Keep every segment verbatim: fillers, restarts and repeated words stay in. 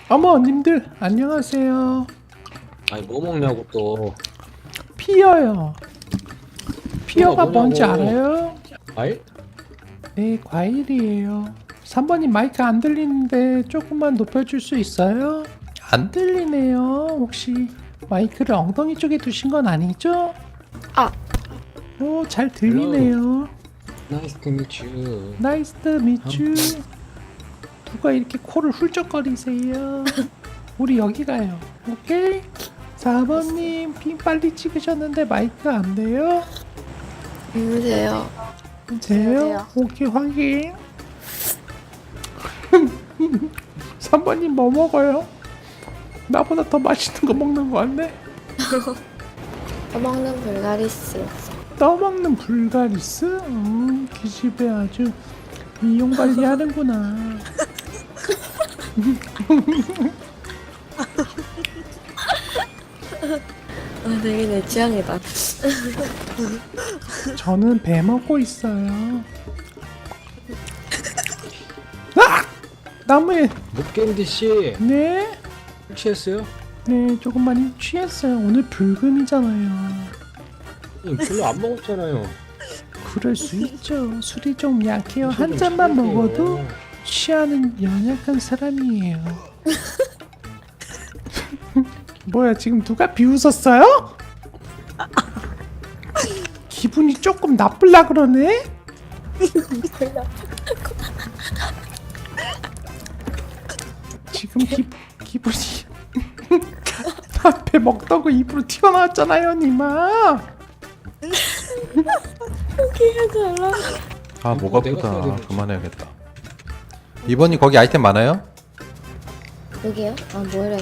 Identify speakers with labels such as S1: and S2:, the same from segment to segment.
S1: 어머 님들 안녕하세요.
S2: 아니 뭐 먹냐고 또.
S1: 피어요. 피어가
S2: 뭐냐고.
S1: 뭔지 알아요?
S2: 과일?
S1: 네, 과일이에요. 삼 번님 마이크 안 들리는데 조금만 높여줄 수 있어요? 안 들리네요. 혹시 마이크를 엉덩이 쪽에 두신 건 아니죠?
S3: 아.
S1: 오, 잘 들리네요.
S2: Nice to meet you.
S1: 나이스 미츄. 누가 이렇게 코를 훌쩍거리세요? 우리 여기 가요. 오케이? 사 번님 핑 빨리 찍으셨는데 마이크 안 돼요?
S3: 안녕하세요.
S1: 돼요? 오케이 확인. 삼 번님 뭐 먹어요? 나보다 더 맛있는 거 먹는 거 같네.
S3: 떠먹는 불가리스.
S1: 떠먹는 불가리스? 음, 기집애 아주 미용 관리 하는구나.
S3: 아, 되게 내 취향이다.
S1: 저는 배 먹고 있어요. 아! 나무에
S2: 목겐디 씨
S1: 네?
S2: 취했어요?
S1: 네, 조금 많이 취했어요. 오늘 불금이잖아요.
S2: 음, 별로 안 먹었잖아요.
S1: 그럴 수 있죠. 술이 좀 약해요. 한
S2: 좀
S1: 잔만
S2: 취할게요.
S1: 먹어도 취하는 연약한 사람이에요. 뭐야, 지금 누가 비웃었어요? 기분이 조금 나쁠라 그러네? 지금 기, 기분이 앞에 먹던 거 입으로 튀어나왔잖아요, 니마.
S4: 아, 목
S2: 이거 내가 써야
S4: 아프다.
S2: 되는데.
S4: 그만해야겠다. 이번이 거기 아이템 많아요?
S3: 여기요? 아, 뭐래.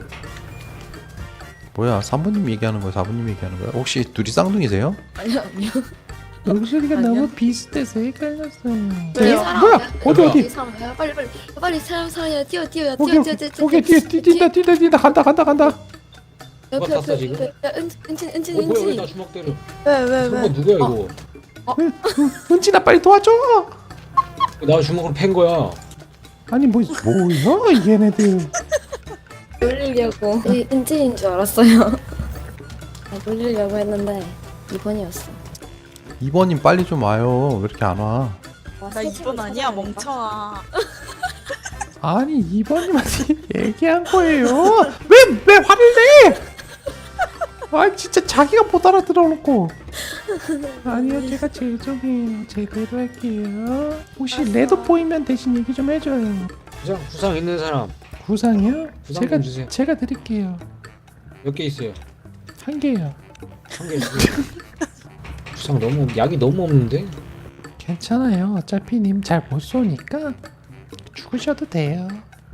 S4: 뭐야, 삼 번님 얘기하는 거야, 사 번님 얘기하는 거야? 혹시 둘이 쌍둥이세요?
S3: 아니요, 아니요.
S1: 목소리가
S3: 아니요.
S1: 너무 비슷해서 헷갈렸어요.
S3: 왜요?
S1: 뭐야? 어디
S2: 뭐야?
S1: 어디?
S3: 사람이야. 빨리, 빨리. 빨리 사람 사람이야. 뛰어, 뛰어,
S1: 오케이
S3: 뛰어,
S1: 오케이
S3: 뛰어, 뛰어.
S1: 오케이 뒤에 뒤- 뛴다 뛴다 뛴다 간다 간다 간다.
S3: 옆에,
S2: 누가 탔어,
S3: 옆에,
S2: 지금?
S3: 옆에. 야, 은, 은진, 은진,
S2: 어 뭐야 왜 나
S3: 은진.
S2: 주먹 때려?
S3: 왜, 왜,
S2: 저거 누구야 이거?
S1: 은- 은- 은진아 빨리 도와줘.
S2: 나 주먹으로 팬 거야.
S1: 아니 뭐 뭐야 얘네들.
S3: 놀리려고. 이 은진인 줄 알았어요. 아, 놀리려고 했는데 이 번이었어.
S4: 이번님 빨리 좀 와요. 왜 이렇게 안 와?
S5: 나 이번 아니야 멍청아.
S1: 아니 이번님한테 얘기한 거예요. 왜 왜 화를 내? 아 진짜 자기가 못 알아들어놓고. 아니요 제가 죄송해요. 제대로 할게요. 혹시 레드 보이면 대신 얘기 좀 해줘요.
S2: 구상 구상 있는 사람
S1: 구상이요?
S2: 구상
S1: 제가
S2: 좀 주세요.
S1: 제가 드릴게요.
S2: 몇 개 있어요?
S1: 한 개요.
S2: 한 개 주세요. 구상 너무 약이 너무 없는데?
S1: 괜찮아요. 어차피 님 잘 못 쏘니까 죽으셔도 돼요.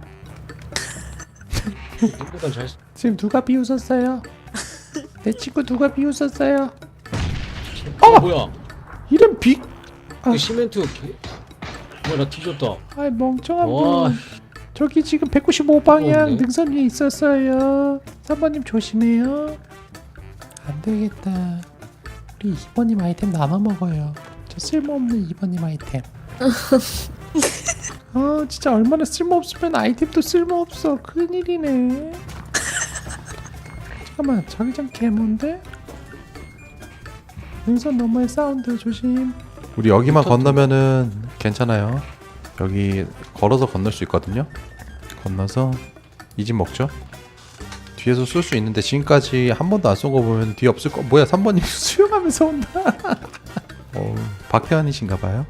S2: 이보단 잘.
S1: 지금 누가 비웃었어요? 내 친구 누가 비웃었어요?
S2: 어 뭐야?
S1: 이런 비... 아,
S2: 그 시멘트 개... 뭐야 나 뒤졌다.
S1: 아이 멍청한
S2: 와.
S1: 분. 저기 지금 백구십오 방향
S2: 무거운데?
S1: 능선 위에 있었어요. 삼 번님 조심해요. 안 되겠다. 우리 이 번님 아이템 나눠 먹어요. 저 쓸모없는 이 번님 아이템. 아 진짜 얼마나 쓸모없으면 아이템도 쓸모없어. 큰일이네. 잠깐만 자기장 개몬데? 능선 너머의 사운드 조심.
S4: 우리 여기만 건너면은 괜찮아요. 여기 걸어서 건널 수 있거든요. 건너서 이 집 먹죠. 뒤에서 쏠 수 있는데 지금까지 한 번도 안 쏜 거 보면 뒤에 없을 거. 뭐야, 삼 번님 수영하면서 온다. 어, 박태환이신가 봐요.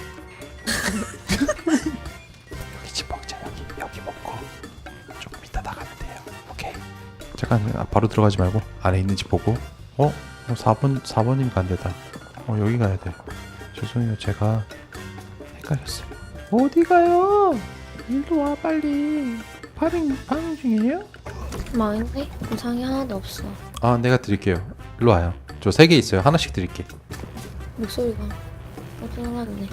S4: 여기 집 먹자. 여기 여기 먹고 조금 이따 나가면 돼요. 오케이. 잠깐 아, 바로 들어가지 말고 안에 있는 집 보고. 어? 어 사 번 사 번님 간대다. 어 여기 가야 돼. 죄송해요. 제가 헷갈렸어요.
S1: 어디 가요? 일로 와 빨리. 파밍 파밍 중이에요?
S3: 망했네? 부상이 하나도 없어.
S4: 아, 내가 드릴게요. 일로 와요. 저 세 개 있어요. 하나씩 드릴게.
S3: 목소리가 어쩌나네.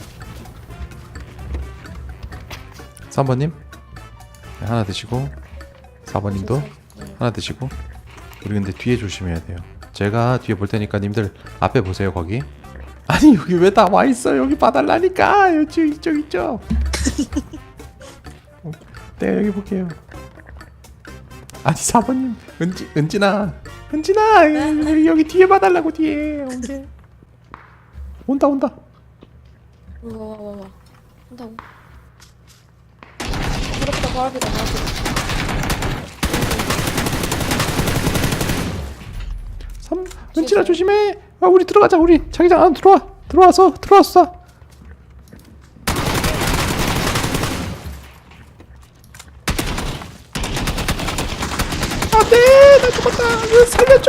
S4: 삼 번님 네, 하나 드시고 사 번님도 하나 드시고. 우리 근데 뒤에 조심해야 돼요. 제가 뒤에 볼 테니까 님들 앞에 보세요. 거기. 아니 여기 왜 다 와 있어? 여기 봐달라니까. 이쪽 이쪽 이쪽.
S1: 네 여기 볼게요. 아니 사 번님 은지 은진아 은진아 여기, 여기 뒤에 봐달라고 뒤에 언제 온다 온다.
S3: 와와와와 한다고. 바로 앞이다 바로 앞이다 바로 앞이다.
S1: 삼 은진아 조심해. 아 우리 들어가자. 우리 자기장 안으로 들어와. 들어와서 들어왔어. 안돼 나 죽었다. 으, 살려줘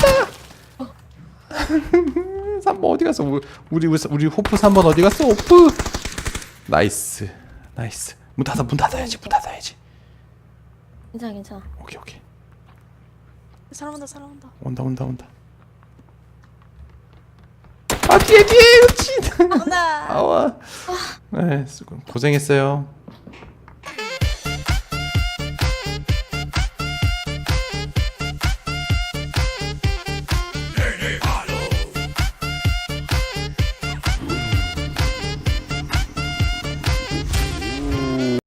S1: 은진아. 삼 번 어디 갔어? 우- 우리 우리 우리 호프 삼 번 어디 갔어? 호프. 나이스 나이스. 문 닫아 문 닫아야지 문 닫아야지.
S3: 괜찮아 괜찮아.
S1: 오케이 오케이.
S5: 사람 온다 사람 온다.
S1: 온다 온다 온다. 아 뒤에 뒤에 은진.
S5: 온다.
S1: 아와. 네, 수고 고생했어요.